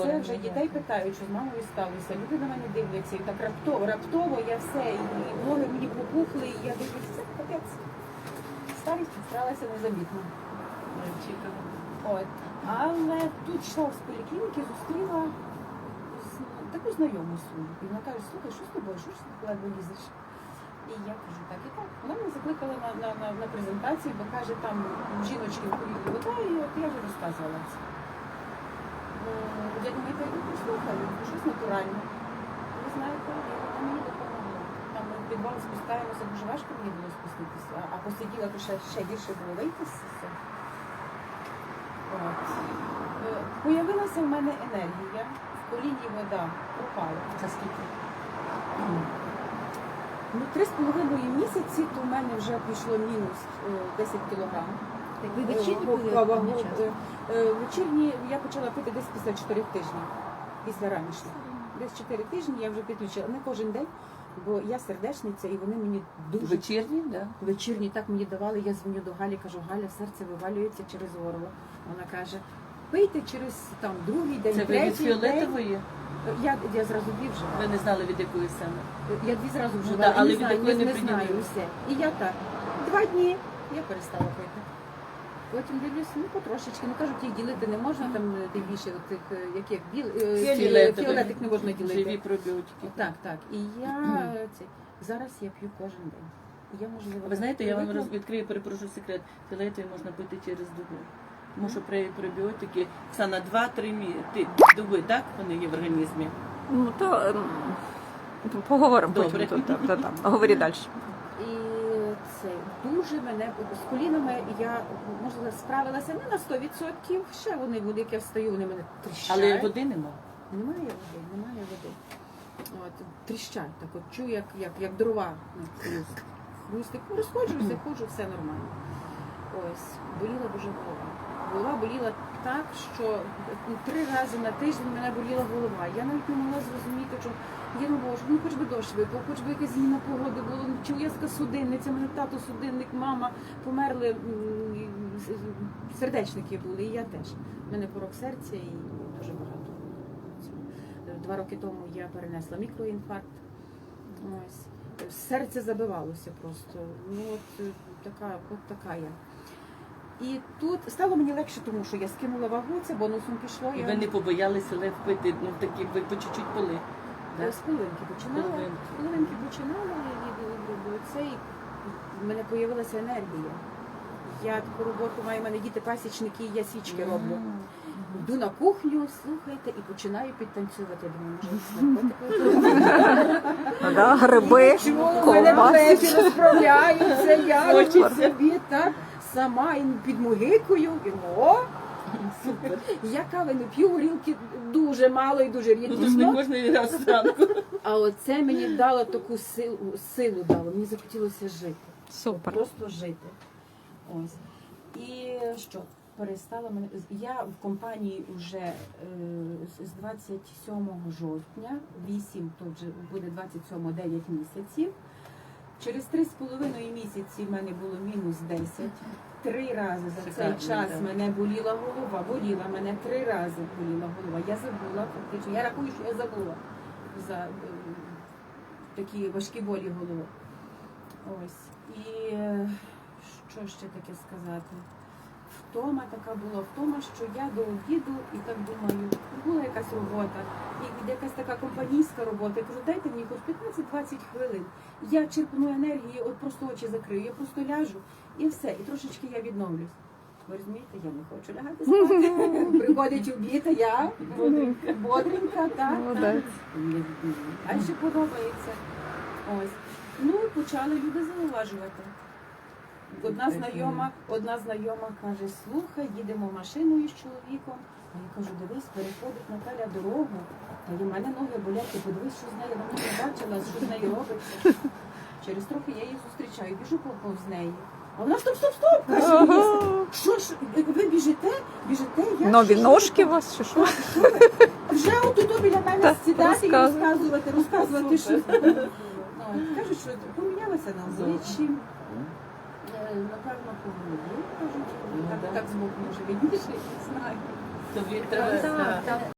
двоє вже дітей питають, що з мамою сталося. Люди на мене дивляться, і так раптово я все, і ноги мені попухли, і я дивлюся, це капець. Старість підстралася незамітно. От. Але тут йшла з поліклініки, зустріла таку знайому свою. І вона каже, слухай, що з тобою, що ж ти ледве лізеш? І я кажу, так і так. Вона мене закликала на презентацію, бо каже, там жіночки в курілі вода, і от я вже розказувала це. Я думаю, я йду послухаю, щось натуральне. Ви знаєте, вона мені допомогла. Там ми в підвал спускаємося, дуже важко мені було спуститися, а посиділа, то ще гірше було вийти з цього. Появилася в мене енергія, в коліні вода пропала. Це скільки? 3,5 місяці, то в мене вже пішло мінус 10 кілограм. Так ви вечірні пили? Вечірні я почала пити десь після 4 тижнів, після ранішніх. Десь 4 тижні я вже підключила. Не кожен день, бо я сердечниця і вони мені дуже... Вечірні, так? Вечірні так мені давали, я дзвоню до Галі, кажу, Галя, серце вивалюється через горло. Вона каже, пийте через там другий день, це ви від фіолетової? Я зразу дві вживала. Ви не знали, від якої саме? Я дві зразу вживала, да, але не від знаю, якої не знаю прийняли? все. І я так, 2 дні я перестала пити. Потім дивлюсь, потрошечки, кажуть, їх ділити не можна, там тим більше тих, як фіолетик не можна ділити. Живі пробіотики. Так. І я зараз я п'ю кожен день. Я, можливо, ви знаєте, я вам відкрию, перепрошую секрет, фіолетові можна пити через добу. Тому що пробіотики це на 2-3 доби, так, вони є в організмі? Ну, то поговоримо Добре. потім. Говори далі. І це дуже мене з колінами я, можливо, справилася не на 100%, ще вони були, як я встаю, вони мене тріщать. Але води нема? Немає води. От, тріщать, так от чую, як дрова. Хрустик, розходжуся, ходжу, все нормально. Ось, боліла дуже голова. Голова боліла так, що 3 рази на тиждень мене боліла голова. Я навіть не могла зрозуміти, що я не можу, хоч би дощ випав, хоч би якась зміна погоди була, чи уязка судинниця, мене тато судинник, мама померли, сердечники були, і я теж. У мене порок серця і дуже багато. 2 роки тому я перенесла мікроінфаркт. Ось. Серце забивалося просто. Така я. І тут стало мені легше, тому що я скинула вагу, це бонусом пішло. І ви не побоялися лев пити, такі, ви по чуть-чуть пили? З половинки починала, і в мене з'явилася енергія. Я таку роботу маю, в мене діти пасічники, я свічки роблю. Йду на кухню, слухайте, і починаю підтанцювати. Думаю, може, гриби, ковбаси розправляються, я собі так сама і підмугикую, і супер. Я кави не п'ю, горілки дуже мало і дуже Ну, то ж не рідкісно. можна і раз зранку. А оце мені дало таку силу дало, мені захотілося жити. Супер. Просто жити. Ось. І що? Перестала мене. Я в компанії вже з 27 жовтня, 8, то вже буде 27, 9 місяців. Через 3,5 місяці в мене було мінус 10. 3 рази за цей час мене боліла голова. Мене 3 рази боліла голова. Я забула, фактично. Я рахую, що я забула за такі важкі болі голови. Ось. І що ще таке сказати? Втома така була, що я до обіду і так думаю, була якась робота, і якась така компанійська робота. Я кажу, дайте мені хоч 15-20 хвилин. Я черпну енергію, от просто очі закрию, я просто ляжу і все, і трошечки я відновлюсь. Ви розумієте, я не хочу лягати спати. Приходить обід, а я бодренька, так. Далі подобається. Ось. Ну, почали люди зауважувати. Одна знайома каже, слухай, їдемо машиною з чоловіком. А я кажу, дивись, переходить Наталя дорогу, та й у мене ноги болять, ти подивись, що з нею, вона не бачила, що з нею робиться. Через трохи я її зустрічаю, біжу повз неї. А вона стоп, каже, що ж, ви біжите, я... Нові ножки у вас чи що? Вже отут біля мене сідати і розказувати, що... Кажуть, що помінялася на обличчі. Напевно, по голові, кажуть, так збоку може відніше, не знаю. Тобі треба...